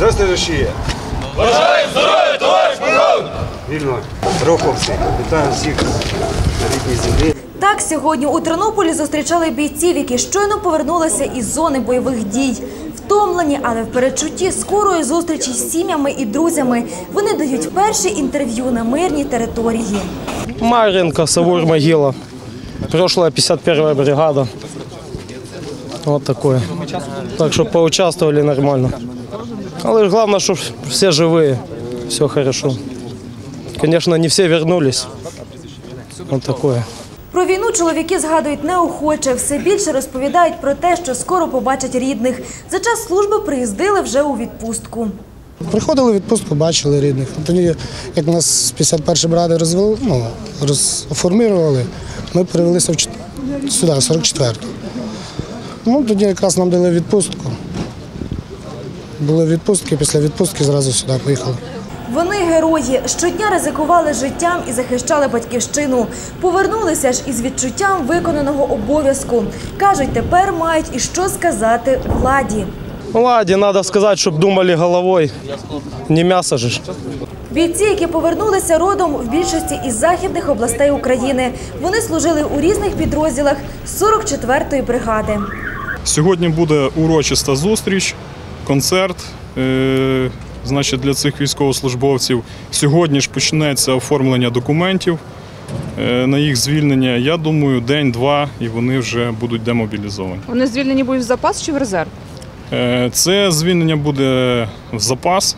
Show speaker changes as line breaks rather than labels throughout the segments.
Здравствуйте, Росія!
Бажаю здоров'я, товариш полковник!
Вільно. Руховці. Вітаю всіх на рідній землі.
Так, сьогодні у Тернополі зустрічали бійців, які щойно повернулися із зони бойових дій. Втомлені, але в передчутті скорої зустрічі з сім'ями і друзями. Вони дають перші інтерв'ю на мирній території.
Мар'їнка, Савур, Могила. Прошлая 51-я бригада. Вот такое. Так что поучаствовали нормально. Але главное, что все живые, все хорошо. Конечно, не все вернулись. Вот такое.
Про війну чоловіки згадують неохоче. Все більше розповідають про те, що скоро побачать рідних. За час служби приїздили вже у відпустку.
Приходили в відпустку, бачили рідних. Тоді, як нас 51-ї бригади розформували, ми перевелися сюди, 44-ту. Тоді якраз нам дали відпустку. Були відпустки, після відпустки зразу сюди поїхали.
Вони герої. Щодня ризикували життям і захищали батьківщину. Повернулися ж із відчуттям виконаного обов'язку. Кажуть, тепер мають і що сказати владі.
Владі, треба сказати, щоб думали головою, не м'ясо ж.
Бійці, які повернулися родом в більшості із західних областей України. Вони служили у різних підрозділах 44-ї бригади.
Сьогодні буде урочиста зустріч, концерт. Для цих військовослужбовців. Сьогодні ж почнеться оформлення документів на їх звільнення. Я думаю, день-два і вони вже будуть демобілізовані.
Вони звільнені будуть в запас чи в резерв?
Це звільнення буде в запас.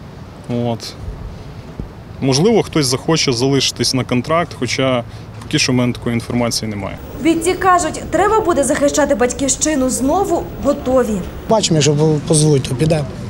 Можливо, хтось захоче залишитись на контракт, хоча поки що в мене такої інформації немає.
Бійці кажуть, треба буде захищати батьківщину знову, готові.
Бачимо, якщо позвуть, то підемо.